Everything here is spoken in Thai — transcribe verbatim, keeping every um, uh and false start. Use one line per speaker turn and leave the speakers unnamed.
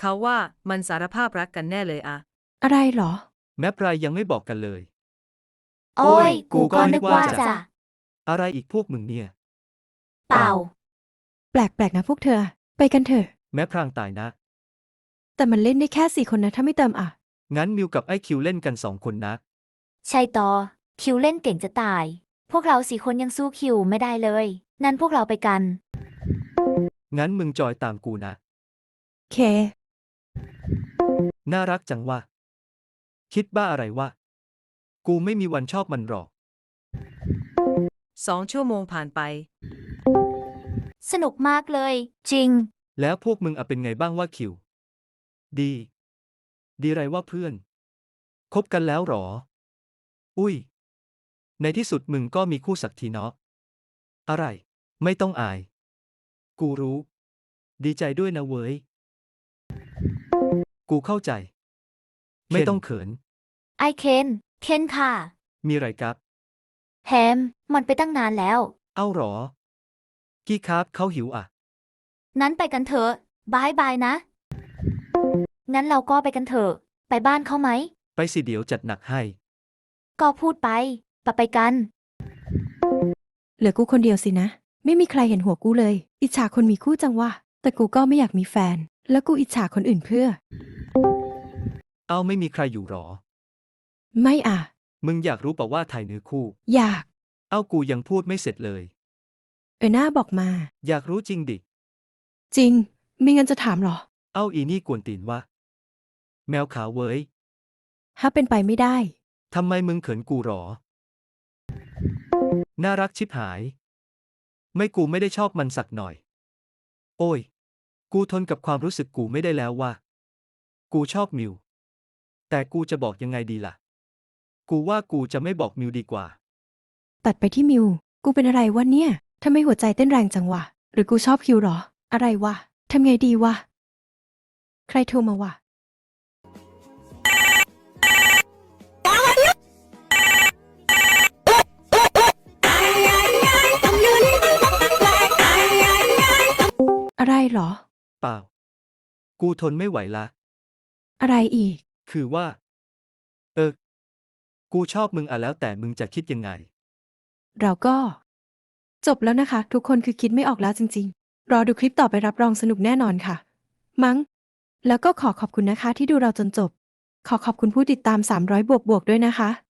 เขาว่ามันสารภาพรักกันแน่เลยอะ
อะไรเหรอ
แม้ปลายยังไม่บอกกันเลย
โอ้ย
กู
กู
ก็
ก็
นึ
นึ
ก
ก
ว่า
ว่า
จะ
จะ
อะไรอีกพวกมึงเนี่ย
เปล่า
แปลกๆนะพวกเธอ ไปกันเถอะ
แม้พรางตายนะ
แต่มันเล่นได้แค่สี่คนนะถ้าไม่เติมอ่ะ
งั้นมิวกับไอ้คิวเล่นกันสองคนนะ
ใช่ต่อ คิวเล่นเก่งจะตาย พวกเราสี่คนยังสู้คิวไม่ได้เลย นั่นพวกเราไปกัน
งั้นมึงจอยตามกูนะ
เค
น่ารักจังวะคิดบ้าอะไรวะ กูไม่มีวันชอบมันหรอก
สองชั่วโมงผ่านไป
สนุกมากเลย จริง
แล้วพวกมึงอะเป็นไงบ้างว่าคิว ดี ดีไรว่าเพื่อน คบกันแล้วหรอ อุ้ย ในที่สุดมึงก็มีคู่สักทีเนาะ อะไร ไม่ต้องอาย กูรู้ ดีใจด้วยนะเว้ย กูเข้าใจ ไม่ต้องเขิน
ไอเคนเคนค่ะ
มีไรครับ
แฮม มันไปตั้งนานแล้ว
เอ้าหรอ กี้ครับเขาหิวอ่ะ
นั้นไปกันเถอะบายบายนะ งั้นเราก็ไปกันเถอะ ไปบ้านเขาไหม
ไปสิเดี๋ยวจัดหนักให้
ก็พูดไปปะไปกัน
เหลือกูคนเดียวสินะ ไม่มีใครเห็นหัวกูเลย อิจฉาคนมีคู่จังวะ แต่กูก็ไม่อยากมีแฟน แล้วกูอิจฉาคนอื่นเพื่อ
เอ้าไม่มีใครอยู่หรอ
ไม่อ่ะ
มึงอยากรู้เปล่าว่าถ่ายเนื้อคู่
อยาก
เอ้ากูยังพูดไม่เสร็จเลย
เออหน้าบอกมา
อยากรู้จริงดิ
จริง มีเงินจะถามเหรอ
เอ้าอีนี่กวนตีนวะ แมวขาวเว้ย
ถ้าเป็นไปไม่ได้
ทำไมมึงเขินกูหรอ น่ารักชิบหาย ไม่กูไม่ได้ชอบมันสักหน่อย โอ้ย กูทนกับความรู้สึกกูไม่ได้แล้วว่ะ กูชอบมิว แต่กูจะบอกยังไงดีล่ะ กูว่ากูจะไม่บอกมิวดีกว่า
ตัดไปที่มิว กูเป็นอะไรวะเนี่ยทำไมหัวใจเต้นแรงจังวะ หรือกูชอบคิวหรอ อะไรวะ ทำไงดีวะ ใครโทรมาวะ อะไรเหรอ
เปล่า กูทนไม่ไหวละ
อะไรอีก
คือว่า เออ กูชอบมึงอ่ะแล้วแต่มึงจะคิดยังไง
เราก็ จบแล้วนะคะ ทุกคนคือคิดไม่ออกแล้วจริงๆ รอดูคลิปต่อไปรับรองสนุกแน่นอนค่ะ มั้ง แล้วก็ขอขอบคุณนะคะที่ดูเราจนจบ ขอขอบคุณผู้ติดตามสามร้อยบวกบวกด้วยนะคะ